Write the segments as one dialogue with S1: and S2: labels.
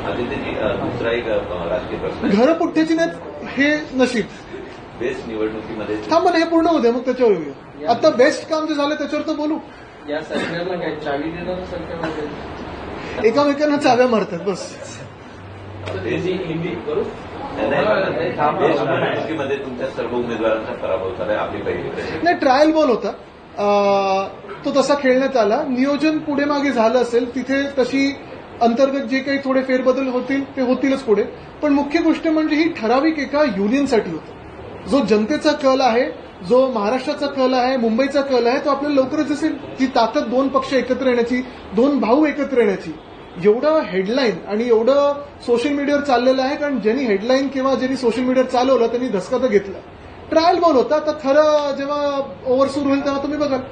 S1: आदित्यजी दुसरा एक राजकीय प्रश्न,
S2: घरपुठ्ठ्याची नाही हे नशीब.
S1: बेस्ट निवडणुकीमध्ये
S2: थांबा हे पूर्ण होते मग त्याच्यावर येऊया. आता बेस्ट काम जे झालं त्याच्यावर तर बोलू.
S3: या सरकारला काय चावी देणारं सरकार वगैरे
S2: एकामेकांना चाव्या मारतात बस.
S1: हिंदी करू. बेस्ट निवडणुकीमध्ये तुमच्या सर्व उमेदवारांचा पराभव झालाय. आपली पहिली प्रश्न
S2: नाही, ट्रायल बॉल होता. तो तसा खेळण्यात आला. नियोजन पुढे मागे झालं असेल तिथे तशी अंतर्गत जे काही थोडे फेरबदल होतील ते होतीलच पुढे. पण मुख्य गोष्ट म्हणजे ही ठराविक एका युनियनसाठी होतं. जो जनतेचा कल आहे, जो महाराष्ट्राचा कल आहे, मुंबईचा कल आहे, तो आपल्याला लवकरच दिसेल. जी ताकद दोन पक्ष एकत्र येण्याची, दोन भाऊ एकत्र येण्याची, एवढं हेडलाईन आणि एवढं सोशल मीडियावर चाललेलं आहे. कारण ज्यांनी हेडलाईन किंवा ज्यांनी सोशल मीडियावर चालवलं त्यांनी धसका तर घेतला. ट्रायल बॉल होता. आता खरं जेव्हा ओव्हर सुरू होईल तेव्हा तुम्ही बघाल.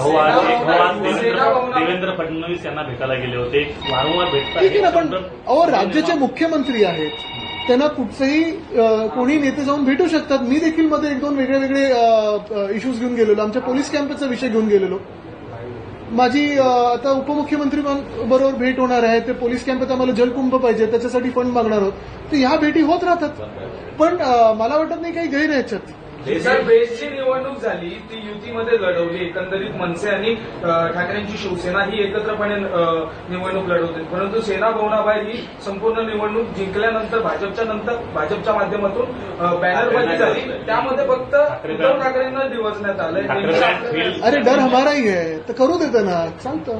S4: देवेंद्र फडणवीस यांना भेटायला गेले होते, वारंवार भेटतात.
S2: ठीक आहे ना, पण राज्याचे मुख्यमंत्री आहेत, त्यांना कुठचंही कोणी नेते जाऊन भेटू शकतात. मी देखील मध्ये एक दोन वेगळे वेगळे इश्यूज घेऊन गेलेलो. आमच्या पोलीस कॅम्पचा विषय घेऊन गेलेलो. माझी आता उपमुख्यमंत्री बरोबर भेट होणार आहे. ते पोलीस कॅम्पात आम्हाला जलकुंभ पाहिजे, त्याच्यासाठी फंड मागणार आहोत. तर ह्या भेटी होत राहतात. पण मला वाटत नाही काही गैर आहे याच्यात.
S5: सर, बेस्टची निवडणूक झाली ती युतीमध्ये लढवली. एकंदरीत मनसे आणि ठाकरेंची शिवसेना ही एकत्रपणे निवडणूक लढवते. परंतु सेना भवनाबाहेर ही संपूर्ण निवडणूक जिंकल्यानंतर भाजपच्या माध्यमातून बॅनरबाजी झाली. त्यामध्ये फक्त उद्धव ठाकरेंना दिवसण्यात आलंय.
S2: अरे डर हमाराही आहे तर करू देतं ना, सांगतो.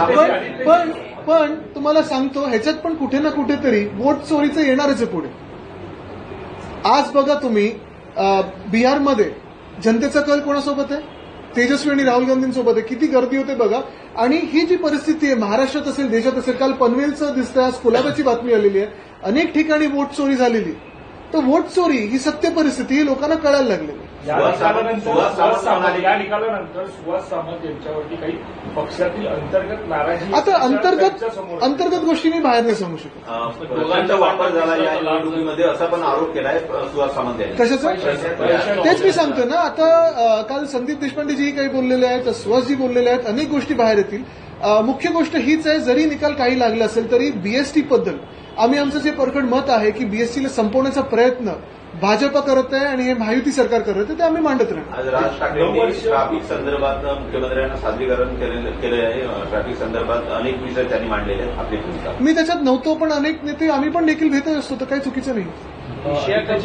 S2: पण तुम्हाला सांगतो ह्याच्यात पण कुठे ना कुठेतरी वोट चोरीचं येणारच आहे पुढे. आज बघा तुम्ही बिहारमध्ये जनतेचा कल कोणासोबत आहे? तेजस्वी आणि राहुल गांधींसोबत आहे. किती गर्दी होते बघा. आणि ही जी परिस्थिती आहे महाराष्ट्रात असेल, देशात असेल, काल पनवेलचं दिसतंय, आज कुलाब्याची बातमी आलेली आहे. अनेक ठिकाणी वोट चोरी झालेली. तर वोट चोरी ही सत्य परिस्थिती ही लोकांना कळायला लागलेली.
S6: या निकालानंतर सुहास सामंत यांच्यावरती काही पक्षातील अंतर्गत नाराजी,
S2: आता अंतर्गत गोष्टी मी बाहेर नाही सांगू शकत.
S1: दोघांचा वापर झाला या निवडणुकीमध्ये असा पण आरोप केलाय सुहास सामंत यांनी.
S2: कशाचा? तेच मी सांगतो ना. आता काल संदीप देशपांडेजी काही बोललेले आहेत, सुहासजी बोललेले आहेत, अनेक गोष्टी बाहेर येतील. मुख्य गोष्ट हीच आहे, जरी निकाल काही लागला असेल तरी बीएसटी बद्दल आम्ही आमचं जे परखड मत आहे की बीएसटीला संपवण्याचा प्रयत्न भाजप करत आहे आणि हे महायुती सरकार करत आहे ते आम्ही मांडत राहणार.
S1: आज राज ठाकरेंनी ट्रॅफिक संदर्भात मुख्यमंत्र्यांना सादरीकरण केलं आहे. ट्रॅफिक संदर्भात अनेक विषय त्यांनी मांडलेले आहेत. आपली भूमिका
S2: मी त्याच्यात नव्हतो, पण अनेक नेते आम्ही पण देखील भेटत असतो, तर काही चुकीचं नाही.